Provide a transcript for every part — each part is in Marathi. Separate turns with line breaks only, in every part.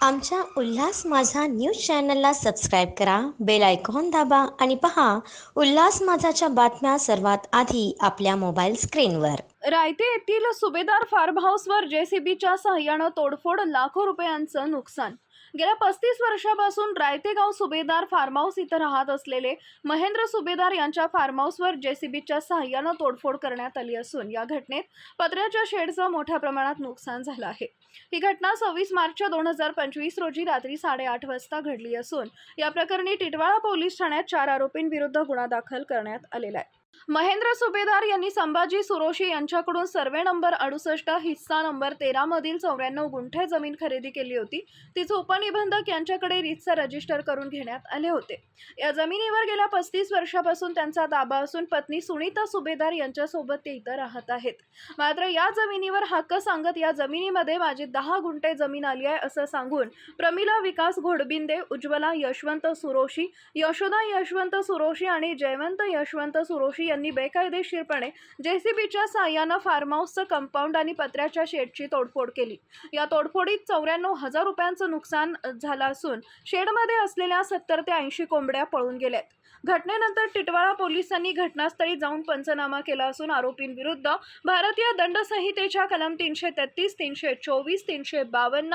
आमच्या उल्हास माझा न्यूज चॅनलला सबस्क्राईब करा, बेल आयकॉन दाबा आणि पहा उल्हास माझाच्या बातम्या सर्वात आधी आपल्या मोबाईल स्क्रीनवर.
रायते येथील सुभेदार फार्म हाऊसवर जेसीबीच्या सहाय्यानं तोडफोड, लाखो रुपयांचं नुकसान. गेल्या 35 वर्षापासून रायते गाव सुभेदार फार्म हाऊस इथं राहत असलेले महेंद्र सुभेदार यांच्या फार्म हाऊसवर जेसीबीच्या सहाय्यानं तोडफोड करण्यात आली असून या घटनेत पत्र्याच्या शेडचं मोठ्या प्रमाणात नुकसान झालं आहे. ही घटना 26 मार्च 2025 रोजी रात्री 8:30 वाजता घडली असून या प्रकरणी टिटवाळा पोलीस ठाण्यात 4 आरोपींविरुद्ध गुन्हा दाखल करण्यात आलेला आहे. महेंद्र सुभेदार यांनी संभाजी सुरोशी यांच्याकडून सर्वे नंबर 68 हिस्सा नंबर 13 मधील 94 गुंठे जमीन खरेदी केली होती. तिचे उपनिबंधक यांच्याकडे रीतसर रजिस्टर करून घेण्यात आले होते. या जमिनीवर गेल्या 35 वर्षापासून त्यांचा ताबा असून पत्नी सुनीता सुभेदार यांच्यासोबत ते इथं राहत आहेत. मात्र या जमिनीवर हक्क सांगत या जमिनीमध्ये माझी 10 गुंठे जमीन आली आहे असं सांगून प्रमिला विकास घोडबिंदे, उज्ज्वला यशवंत सुरोशी, यशोदा यशवंत सुरोशी आणि जयवंत यशवंत सुरोशी यांनी बेकायदेशीरपणे जेसीबीच्या सहाय्यानं फार्म हाऊसचं कंपाऊंड आणि पत्र्याच्या शेडची तोडफोड केली. या तोडफोडीत 94,000 रुपयांचं नुकसान झालं असून शेडमध्ये असलेल्या 70 ते 80 कोंबड्या पळून गेल्यात. घटनेनंतर टिटवाळा पोलिसांनी घटनास्थळी जाऊन पंचनामा केला असून आरोपींविरुद्ध भारतीय दंड संहितेच्या कलम 333, 324, 352,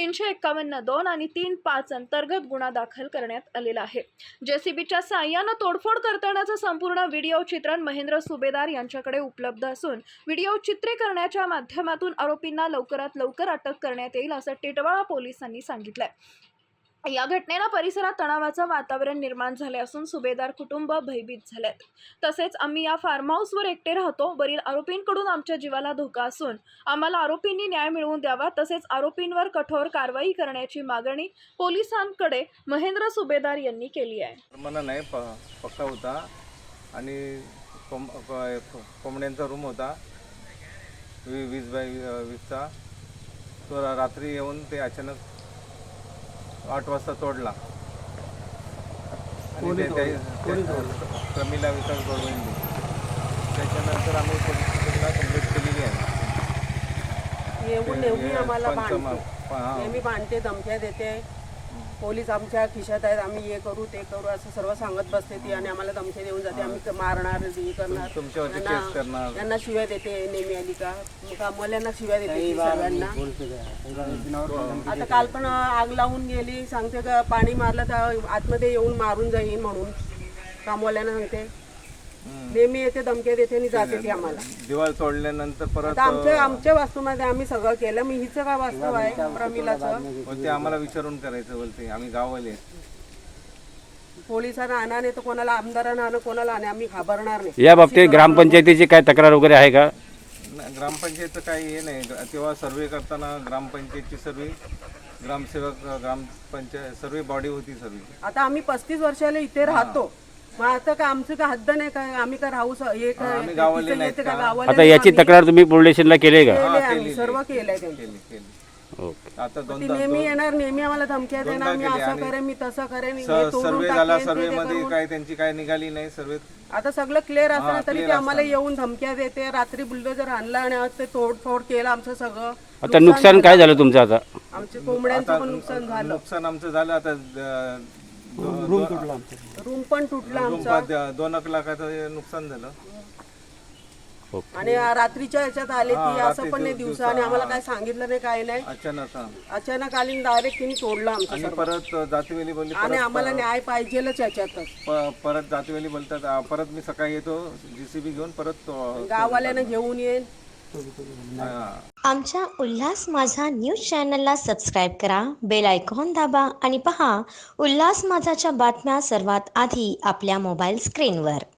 351(2) आणि 3(5) अंतर्गत गुन्हा दाखल करण्यात आलेला आहे. जेसीबीच्या सहाय्यानं तोडफोड करतानाचं संपूर्ण व्हिडिओ चित्रण महेंद्र सुभेदार यांच्याकडे उपलब्ध असून व्हिडिओ चित्रीकरणाच्या माध्यमातून आरोपींना लवकरात लवकर अटक करण्यात येईल असं टिटवाळा पोलिसांनी सांगितलंय. या घटनेनं परिसरात तणावाचं वातावरण निर्माण झाले असून सुभेदार कुटुंब भयभीत झालेत. तसेच आम्ही या फार्म हाऊसवर एकटे राहतो. वरील आरोपींकडून आमच्या जीवाला धोका असून आम्हाला आरोपींनी न्याय मिळवून द्यावा तसेच आरोपींवर कठोर कारवाई करण्याची मागणी पोलिसांकडे महेंद्र सुभेदार यांनी केली आहे.
मला नाही पक्का होता आणि कोंबड्यांचा रूम होता 20 बाय 20चा. तो रात्री येऊन ते अचानक 8 वाजता तोडला आणि प्रमिला विकास घोडबिंदे. त्याच्यानंतर आम्ही पोलीस स्टेशनला कंप्लेंट केलेली आहे.
येऊन नेहमी आम्हाला नेहमी भांडते, धमक्या देते. पोलीस आमच्या खिशात आहेत, आम्ही हे करू ते करू असं सर्व सांगत बसते ती आणि आम्हाला धमक्या देऊन जाते. आम्ही मारणार, हे करणार,
तुमच्यावरती केस करणार.
यांना शिव्या देते. नेहमी आली का कामवाल्यांना शिव्या देते सर्वांना. आता काल पण आग लावून गेली, सांगते का पाणी मारलं तर आतमध्ये येऊन मारून जाईन म्हणून कामवाल्यांना सांगते. नेहमी येते, धमक्या देते आणि जाते ती आम्हाला.
दिवाळ तोडल्यानंतर परत
आमच्या वास्तूमध्ये आम्ही सगळं केलं. मी हिचं काय वास्तव आहे प्रमिलाचं
ते आम्हाला विचारून करायचं बोलते. आम्ही गाववाले
पोलिसांना आणा नाही तर कोणाला आमदारांना आणा, कोणाला आणा, आम्ही घाबरणार नाही.
या बाबतीत ग्रामपंचायतीची काय तक्रार वगैरे आहे का?
ग्रामपंचायतचं काही हे नाही. तेव्हा सर्वे करताना ग्रामपंचायतची सर्वे, ग्रामसेवक, ग्रामपंचायत सर्वे बॉडी होती सर्वे.
आता आम्ही 35 वर्षाला इथे राहतो. मग आता का आमचं का हद्द नाही काय? आम्ही का राहू
आम्ही गावाले नाहीत का?
आता याची तक्रार तुम्ही पोलीस स्टेशनला केली का?
आम्ही सर्व केलंय त्यांनी.
ओके.
आता
ती नेहमी येणार, नेहमी आम्हाला धमक्या देणार, मी असं करेन, मी तसं करेन, हे तोडून
सर्वे झाला.
टाकेन,
सर्वे
ते
मध्ये
करून.
काय त्यांची काय निघाली नाही. सर्वे
आता सगळं क्लिअर असताना तरी
clear
ते आम्हाला येऊन धमक्या देते. रात्री बुलडोजर आणला आणि आज ते तोडफोड केलं आमचं सगळं.
आता नुकसान काय झालं तुमचं? आता
आमच्या कोंबड्यांचं पण नुकसान झालं.
नुकसान आमचं झालं. आता
रूम पण तुटला आमचा
2 लाखाचं नुकसान झालं.
आणि रात्रीच्या ह्याच्यात आले ती असं पण नाही दिवसा आणि आम्हाला काय सांगितलं नाही, काय नाही. अचानक आली डायरेक्ट तिने तोडलं आमचं
आणि
सर्व.
परत जातीवेली बोलली.
आणि आम्हाला न्याय पाहिजेलच याच्यातच.
परत जातीवेली बोलतात. परत मी सकाळी येतो जेसीबी घेऊन परत
गाववाल्यांना घेऊन येईन.
आमच्या उल्हास माझा न्यूज चॅनलला सबस्क्राईब करा, बेल आयकॉन दाबा आणि पहा उल्हास माझाच्या बातम्या सर्वात आधी आपल्या मोबाईल स्क्रीनवर.